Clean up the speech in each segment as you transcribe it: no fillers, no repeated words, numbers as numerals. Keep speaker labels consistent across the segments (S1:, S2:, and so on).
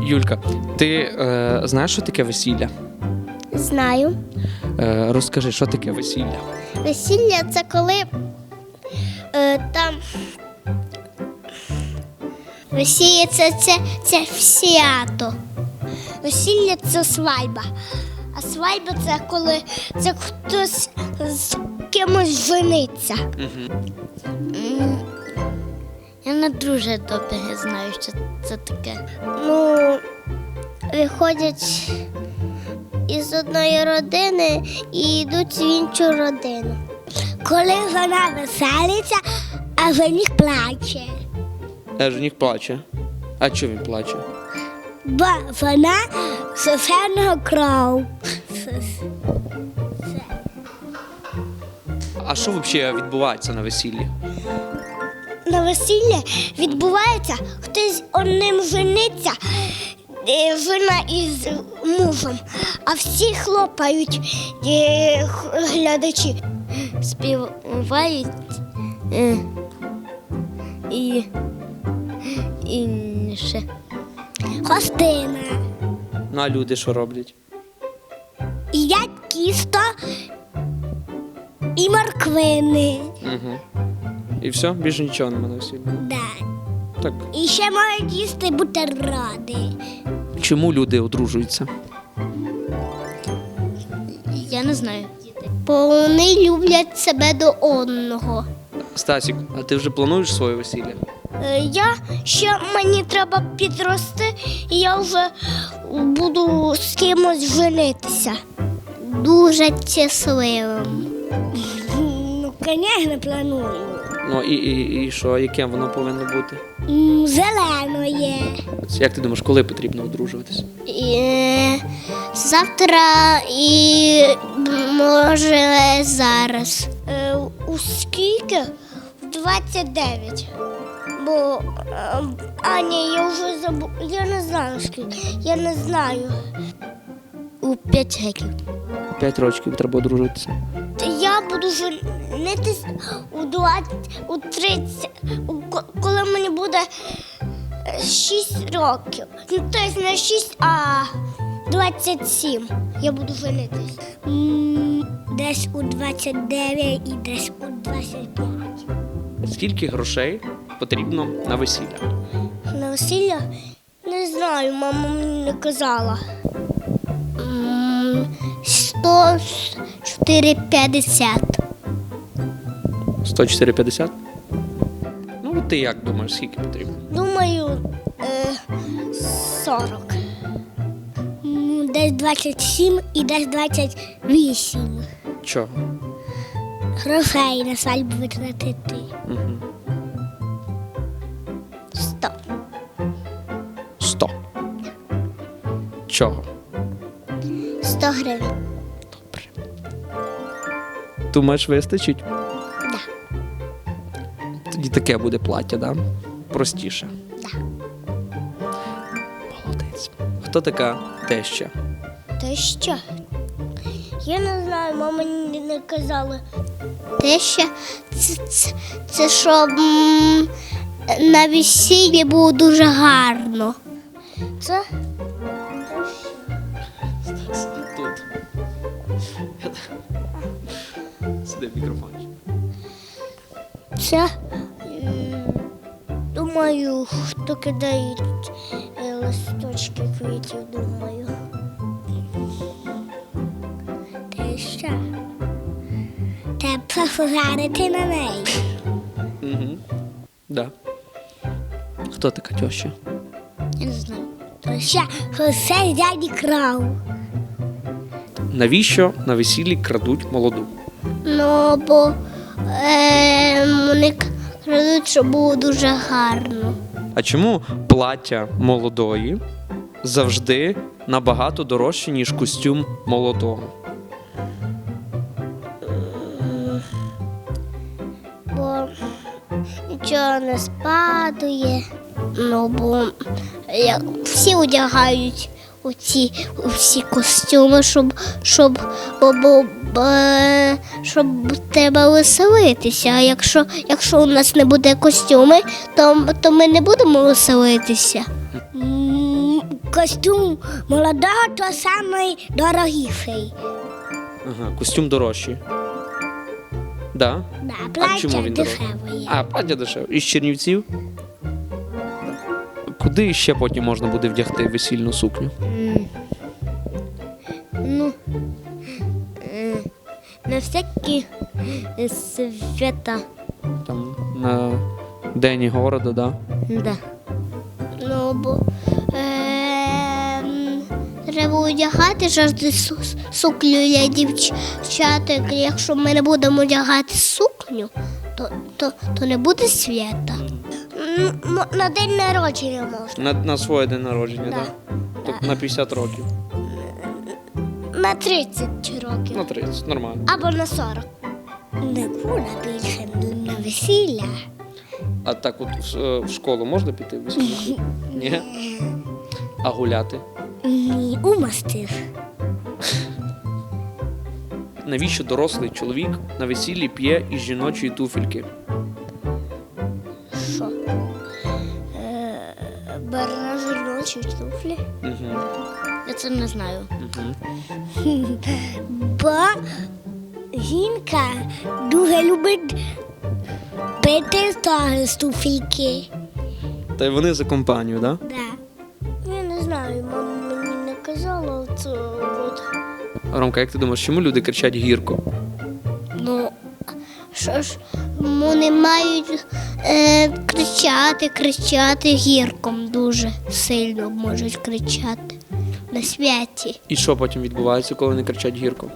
S1: Юлька, ти знаєш, що таке весілля?
S2: Знаю.
S1: Розкажи, що таке весілля?
S2: Весілля – це коли там весілля це свято. Весілля – це свадьба. А свадьба – це коли хтось з кимось жениться. Я не дуже добре знаю, що це таке. Ну, виходять із одної родини і йдуть в іншу родину. Коли вона веселиться, а жених плаче.
S1: А жених плаче. А чого він плаче?
S2: Бо вона сосерного кров.
S1: А що взагалі відбувається на весіллі?
S2: На весіллі відбувається, хтось одним жениться, жена із мужем, а всі хлопають глядачі. Співають і ще гостина.
S1: Ну, а люди що роблять?
S2: Їдять тісто і морквини.
S1: Угу. І все? Більше нічого немає на весіллі?
S2: Да.
S1: Так.
S2: І ще можуть їсти бутерброди.
S1: Чому люди одружуються?
S2: Я не знаю. Бо вони люблять себе до одного.
S1: Стасік, а ти вже плануєш своє весілля?
S2: Мені треба підрости, і я вже буду з кимось женитися. Дуже щасливим. Ну, звісно, планую.
S1: Ну і що, яким воно повинно бути?
S2: Зеленої.
S1: Як ти думаєш, коли потрібно одружуватися?
S2: Завтра і може зараз. У скільки? В 29. Бо, ні, я вже забув. Я не знаю скільки. Я не знаю. У 5 років.
S1: 5 років треба одружуватися.
S2: Я буду женитись у 30, коли мені буде 6 років. Ну, тобто не 6, а 27 я буду женитись. Десь у 29 і десь у 25.
S1: Скільки грошей потрібно на весілля?
S2: На весілля? Не знаю, мама мені не казала. 104,50.
S1: 104,50? Ну, от ти як думаєш, скільки потрібно?
S2: Думаю, 40. Десь 27 і десь 28.
S1: Чого?
S2: Грошей на свадьбу витратити.
S1: Угу.
S2: 100.
S1: 100. Чого?
S2: 100 гривень.
S1: Добре. Думаєш, вистачить?
S2: Да.
S1: Тоді таке буде плаття, да? Простіше.
S2: Да.
S1: Молодець. Хто така теща?
S2: Та що? Я не знаю, мама мені не казала. Теща це щоб на весіллі було дуже гарно. Це
S1: Тут. Сиди в мікрофоні.
S2: Це, думаю, хто кидає листочки квітів, думаю. Те що? Треба поглянути на неї.
S1: Угу. Да. Хто така теща?
S2: Я не знаю. То ще все дяді крав.
S1: Навіщо на весіллі крадуть молоду?
S2: Ну, бо вони крадуть, щоб було дуже гарно.
S1: А чому плаття молодої завжди набагато дорожче, ніж костюм молодого?
S2: Бо нічого не спадує. Ну, бо всі одягають у всі костюми, щоб треба веселитися. А якщо у нас не буде костюми, то ми не будемо веселитися. костюм молодого, то самий дорогіший.
S1: Ага, костюм дорожчий. Да?
S2: Да,
S1: А чому
S2: плаття
S1: він
S2: дешеве
S1: дорожчий?
S2: є.
S1: А, плаття дешеве. Із Чернівців? Куди ще потім можна буде вдягти весільну сукню?
S2: Ну, на всякі свята.
S1: Там на День города, да?
S2: Да. Ну, бо треба одягати завжди сукню для дівчаток. Якщо ми не будемо одягати сукню, то не буде свята. На день народження можна.
S1: На своє день народження,
S2: Да.
S1: да? Тобто на 50 років.
S2: На 30 років.
S1: На 30, нормально.
S2: Або на 40. Не буде більше на весілля.
S1: А так от в школу можна піти в весільну сукню? Ні? А гуляти?
S2: Ні, у мастер.
S1: Навіщо дорослий чоловік на весіллі п'є із жіночої туфельки?
S2: Що? Бере жіночі туфлі?
S1: Угу.
S2: Я це не знаю.
S1: Угу.
S2: Бо жінка дуже любить пити з туфельки.
S1: Та й вони за компанію, так? Да?
S2: Да. Я не знаю, мама мені не казала це. От.
S1: Ромка, як ти думаєш, чому люди кричать гірко?
S2: Ну, що ж, вони мають кричати гірком дуже сильно можуть кричати на святі.
S1: І що потім відбувається, коли вони кричать гірко?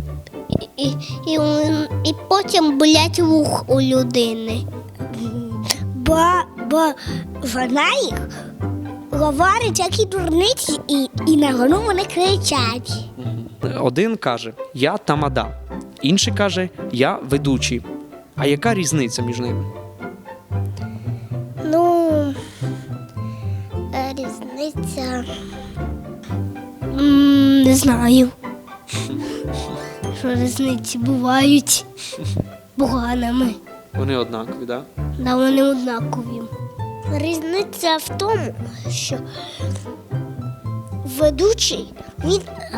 S2: І потім болять вух у людини. Бо вона їх говорить, які дурниці, і на гону вони кричать.
S1: Один каже «я тамада», інший каже «я ведучий». А яка різниця між ними?
S2: Ну, різниця. Не знаю. Що різниці бувають поганими.
S1: Вони однакові, так? Да?
S2: Да, вони однакові. Різниця в тому, що ведучий, він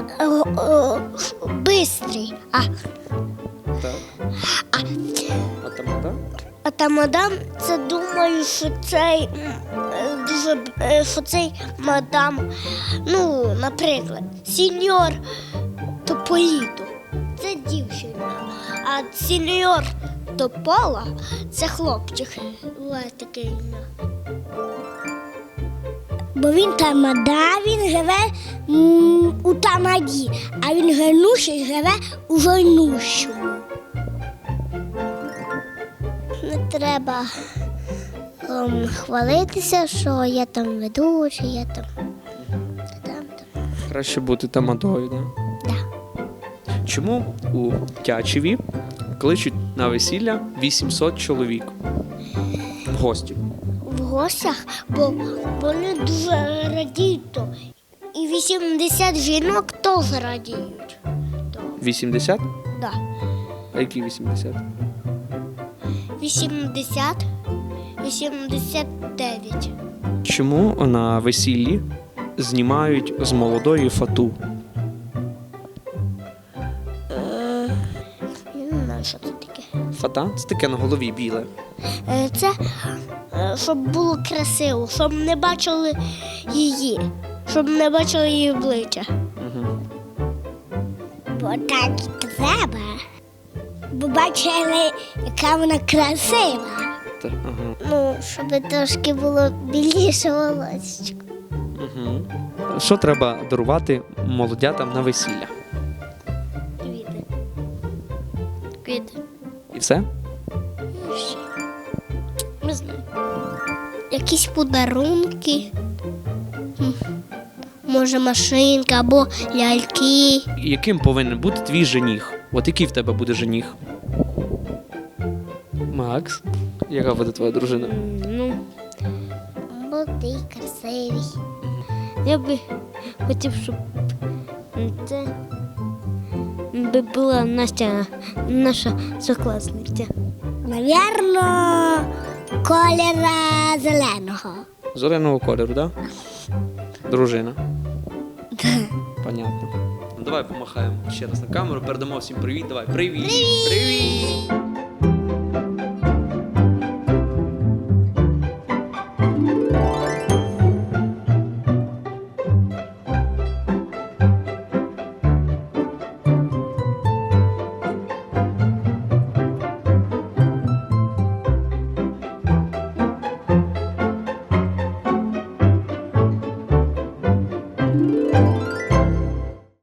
S2: бистрий,
S1: Так. А тамада?
S2: а тамада, це думаю, що цей що цей мадам, ну, наприклад, сеньор Тополіто, це дівчина, а сеньор Топола це хлопчик. Ось таке ім'я. Бо він тамада, він живе у тамаді, а він генуший живе у жойнущому. Не треба хвалитися, що я там ведучий, я там.
S1: Краще бути тамадою, так? Да?
S2: Да.
S1: Чому у Тячеві кличуть на весілля 800 чоловік? В гості.
S2: В гостях, бо вони дуже радіють. То. І 80 жінок теж радіють.
S1: 80?
S2: Да.
S1: А які 80?
S2: 80, 89.
S1: Чому на весіллі знімають з молодої фату?
S2: Я не знаю, що це таке.
S1: Фата? Це таке на голові біле.
S2: Це щоб було красиво, щоб не бачили її, щоб не бачили її обличчя.
S1: Угу.
S2: Бо так і треба. Бо бачили, яка вона красива.
S1: Ага.
S2: Ну, щоб трошки було біліше волосечко.
S1: Угу. Що треба дарувати молодятам на весілля?
S2: Квіти. Квіти.
S1: І все?
S2: Не знаю. Якісь подарунки. Може, машинка або ляльки.
S1: Яким повинен бути твій жених? От який в тебе буде жених? Макс? Яка буде твоя дружина?
S2: Ну, молодий, красивий. Я би хотів, щоб це би була Настя, наша сокласниця. Навірно, кольора зеленого.
S1: Зеленого кольору, так? Да? Дружина. Понятно. Ну давай помахаємо ще раз на камеру, передамо всім привіт. Давай, привіт! Привіт!